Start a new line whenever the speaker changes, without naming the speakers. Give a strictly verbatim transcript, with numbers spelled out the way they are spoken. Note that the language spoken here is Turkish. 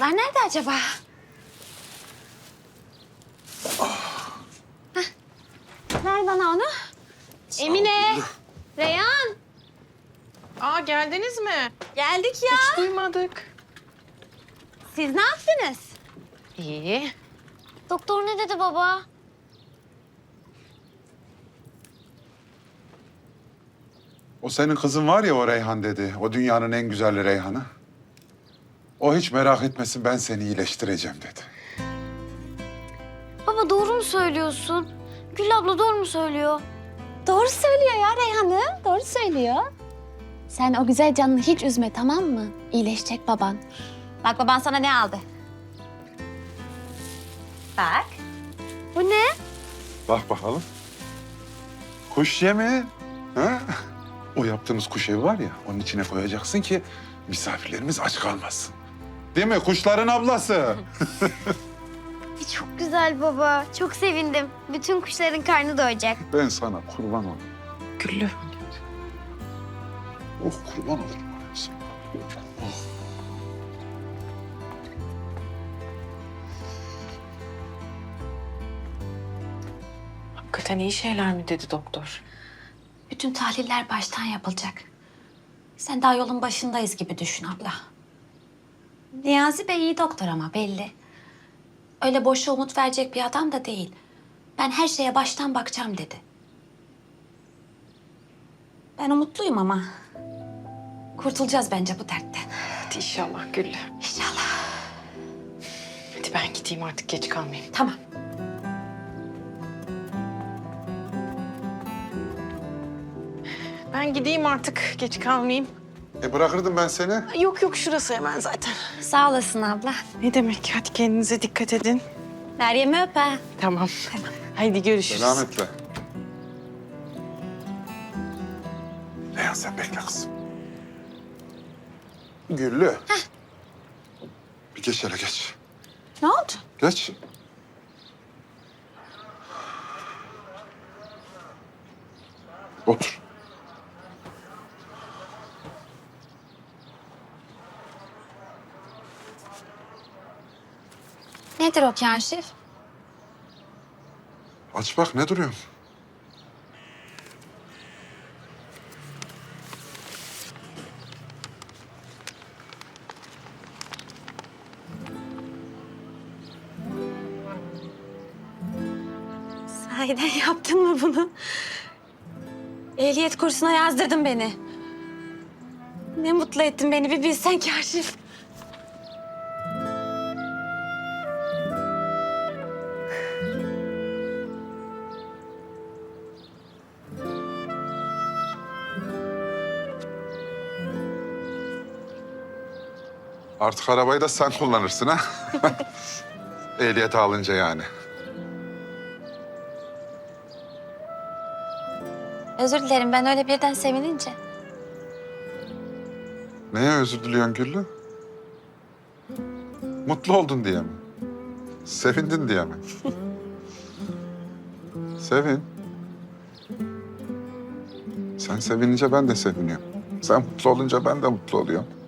Kızlar nerede acaba? Heh. Ver bana onu. Emine, Reyhan.
Aa geldiniz mi?
Geldik ya.
Hiç duymadık.
Siz ne yaptınız?
İyi.
Doktor ne dedi baba?
O senin kızın var ya o Reyhan dedi. O dünyanın en güzel Reyhan'ı. O hiç merak etmesin ben seni iyileştireceğim dedi.
Baba doğru mu söylüyorsun? Gül abla doğru mu söylüyor? Doğru söylüyor ya Reyhan'ım. Doğru söylüyor. Sen o güzel canını hiç üzme, tamam mı? İyileşecek baban. Bak baban sana ne aldı? Bak. Bu ne?
Bak bakalım. Kuş yemi. Ha? O yaptığımız kuş evi var ya onun içine koyacaksın ki misafirlerimiz aç kalmasın. Değil mi? Kuşların ablası.
Çok güzel baba. Çok sevindim. Bütün kuşların karnı doyacak.
Ben sana kurban olurum.
Güllü.
Oh kurban olurum. ben sana. Oh.
Hakikaten iyi şeyler mi dedi doktor?
Bütün tahliller baştan yapılacak. Sen daha yolun başındayız gibi düşün abla. Niyazi Bey iyi doktor ama belli. Öyle boşa umut verecek bir adam da değil. Ben her şeye baştan bakacağım dedi. Ben umutluyum ama. Kurtulacağız bence bu dertten.
Hadi inşallah Güllü.
İnşallah.
Hadi ben gideyim artık geç kalmayayım.
Tamam.
Ben gideyim artık geç kalmayayım.
E bırakırdım ben seni.
Yok yok şurası hemen zaten.
Sağ olasın abla.
Ne demek? Hadi kendinize dikkat edin.
Meryem'i öp ha.
Tamam. Tamam. Haydi görüşürüz.
Selametle. Reyhan sen bekle kızım. Güllü. Bir geç hele geç.
Ne oldu?
Geç. Otur.
Nedir o Kaşif?
Aç bak ne duruyorsun?
Sahiden yaptın mı bunu? Ehliyet kursuna yazdırdın beni. Ne mutlu ettin beni bir bilsen Kaşif.
Artık arabayı da sen kullanırsın ha. Ehliyeti alınca yani.
Özür dilerim ben öyle birden sevinince.
Neye özür diliyorsun Güllü? Mutlu oldun diye mi? Sevindin diye mi? Sevin. Sen sevinince ben de seviniyorum. Sen mutlu olunca ben de mutlu oluyorum.